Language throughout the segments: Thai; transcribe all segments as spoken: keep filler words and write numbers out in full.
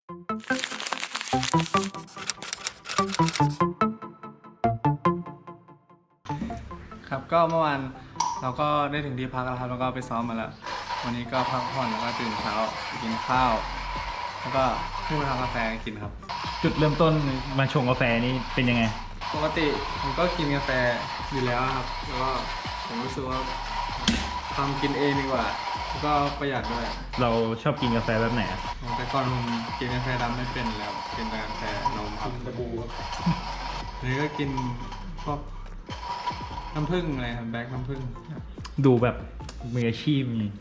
ครับก็เมื่อวานเราก็ได้ถึงที่พักแล้วครับแล้วก็ไปซ้อมมาแล้ววันนี้ก็พักผ่อนแล้วก็ตื่นเช้ากินข้าวแล้วก็ขึ้นมาทำกาแฟกินครับจุดเริ่มต้นมาชงกาแฟนี่เป็นยังไงปกติผมก็กินกาแฟอยู่แล้วครับแล้วก็ผมรู้สึกว่าทำกินเองดีกว่าแล้วก็ประหยัดด้วยเราชอบกินกาแฟแบบไหนแต่ก่อนผมกินกาแฟดำไม่เป็นแล้วกินแต่กาแฟนมครับตะบูนี่ก็กินพวกน้ำผึ้งอะไรครับแบล็คน้ำผึ้งดูแบบมืออาชีพนี่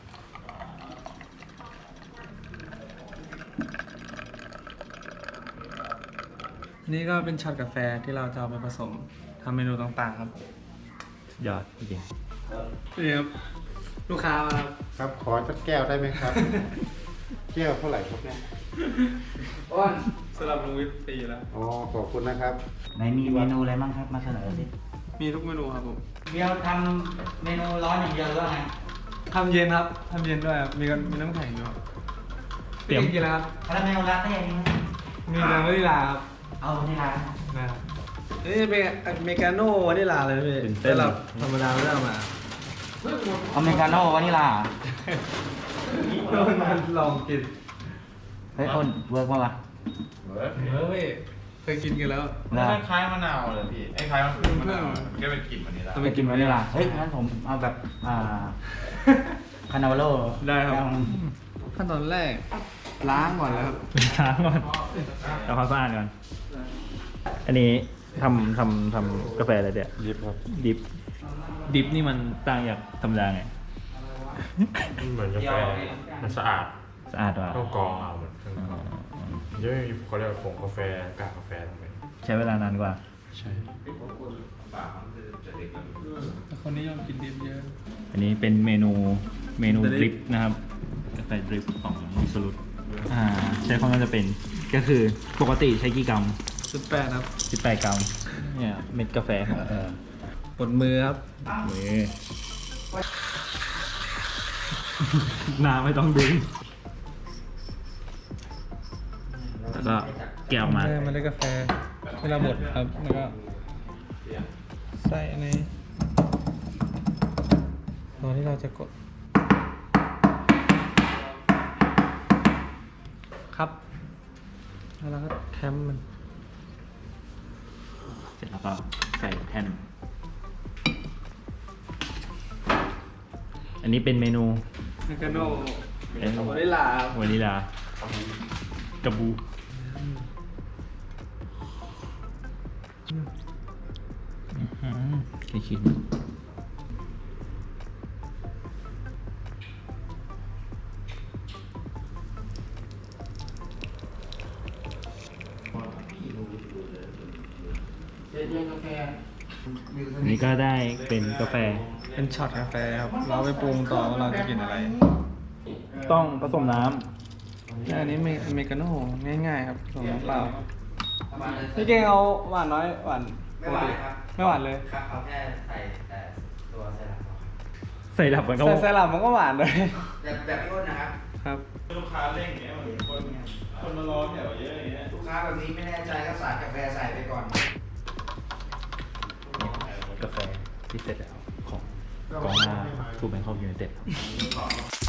นี่ก็เป็นช็อตกาแฟที่เราจะเอาไปผสมทำเมนูต่างๆครับยอดจริงนี่ครับลูกค้ามาครับขอสักแก้วได้ไหมครับ แก้วเท่าไหร่ครับเนี่ยอ้วนสำหรับลุงวิทย์ฟรีแล้วอ๋อขอบคุณนะครับไหนมีเมนูอะไรบ้างครับมาเสนอสิมีทุกเมนูครับผมเดียวทำเมนูร้อนอย่างเดียวหรือว่าไงทำเย็นครับทำเย็นด้วยครับมีกันมีน้ำแข็งด้วยเตรียมกินแล้วครับคาราเมลลาเต้นี่มีแต่วานิลาครับเอาวานิลานะครับนี่เป็นอเมริกาโน่วานิลาเลยพี่แต่เราธรรมดาไม่ได้มาอเมริกาโน่วานิลาโดนมันลองกินเฮ้ยคนเวิร์กป่าวะเวิร์กเวิร์กพี่เคยกินกันแล้วคล้ายมะนาวเลยพี่ไอ้คล้ายมะนาวมันก็เป็นกลิ่นวานิลาเป็นกลิ่นวานิลาเฮ้ยงั้นผมเอาแบบอ่าคานาเวโร่ได้ครับขั้นตอนแรกล้างก่อนแล้วครับล้างก่อนทำความสะอาดก่อนอันนี้ทำทำทำกาแฟอะไรเดี๋ยดิบครับดิบดิบนี่มันต่างจากธรรมดาไงเหมือนกาแฟมันสะอาดสะอาดว่ะต้องกรองเอาเหมือนเยอะเขาเรียกผงกาแฟกากกาแฟทำไมใช้เวลานานกว่าใช่แต่คนนิยมกินดิบเยอะอันนี้เป็นเมนูเมนูดริปนะครับกาแฟดริปของมิสลุตอ่าใช้ความน่าจะเป็นก็คือปกติใช้กี่กรัมสิบแปดครับสิบแปดกรัมเนี่ยเม็ดกาแฟของเออปดมือครับมือน้ำไม่ต้องดึงแล้วก็แกะออกมามันได้กาแฟเวลาบดครับแล้วก็ใส่ในตอนที่เราจะกดครับแล้วเราก็แคมมันเสร็จแล้วก็ใส่แท่นอันนี้เป็นเมนูเมกาโน่วานิลาวานิลากระบูกี่ชิ้นนี่ก็ได้เป็นกาแฟเป็นช็อตกาแฟครับเราไปปรุงต่อว่าเราจะกินอะไรต้องผสมน้ำอันนี้อเมริกาโน่ง่ายๆครับผสมน้ำเปล่าพี่เก่งเอาหวานน้อยหวานไม่หวานไม่หวานเลยครับเอาแค่ใส่แต่ตัวไซรัปใส่หลับมันก็ใส่ไซรัปมันก็หวานเลยแบบแบบพี่อ้นนะครับครับลูกค้าเร่งเงี้ยเหมือนคนคนมารอแถวเยอะอย่างเงี้ยลูกค้าแบบนี้ไม่แน่ใจก็ใส่กาแฟใส่ไปก่อนกาแฟที่เสร็จแล้วของกองหน้าทูแบงคอกยูไนเต็ด